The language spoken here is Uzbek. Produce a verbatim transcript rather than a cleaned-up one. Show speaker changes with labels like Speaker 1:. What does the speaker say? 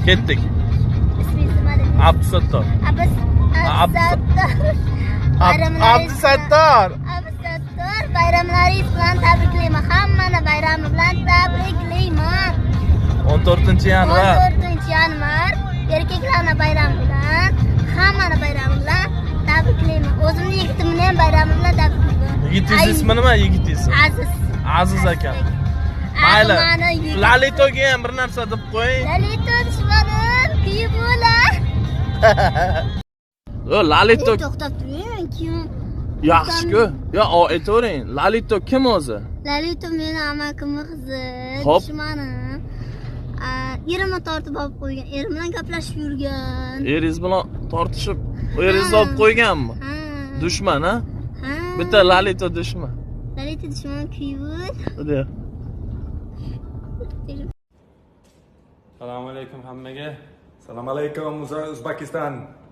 Speaker 1: Ketdik.
Speaker 2: İsmingiz nima dedingiz?
Speaker 1: Abdusattor.
Speaker 2: Abis Abdusattor.
Speaker 1: Abdusattor.
Speaker 2: Abdusattor, bayramlaringiz bilan tabriklayman. Hammani bayrami bilan tabriklayman.
Speaker 1: o'n to'rtinchi yanvar.
Speaker 2: o'n to'rtinchi yanvar erkaklarning bayrami bilan, hammani bayrami bilan tabriklayman. O'zimni yigitimni ham bayrami bilan tabriklayman.
Speaker 1: Yigitingiz ismi nima yigitingiz?
Speaker 2: Aziz.
Speaker 1: Aziz aka. Mayli. Lalitoga ham bir narsa deb qo'ying.
Speaker 2: Lalito dushmanim, kuyib bo'lar.
Speaker 1: O Lalito
Speaker 2: To'xtab turing, kim?
Speaker 1: yaxshi-ku. Yo, aytavering. Lalito kim o'zi?
Speaker 2: Lalito meni amakimning qizi,
Speaker 1: Hop.
Speaker 2: dushmanim. Erimni tortib olib qo'ygan, erim bilan gaplashib yurgan.
Speaker 1: Eringiz bilan tortishib, eringizni olib qo'yganmi?
Speaker 2: Ha.
Speaker 1: Dushman, ha?
Speaker 2: Ha.
Speaker 1: Bitta Lalito dushman.
Speaker 2: Lalito dushman kuyib.
Speaker 1: Hadi.
Speaker 3: Assalomu alaykum hammaga.
Speaker 4: Assalomu alaykum, O'zbekiston.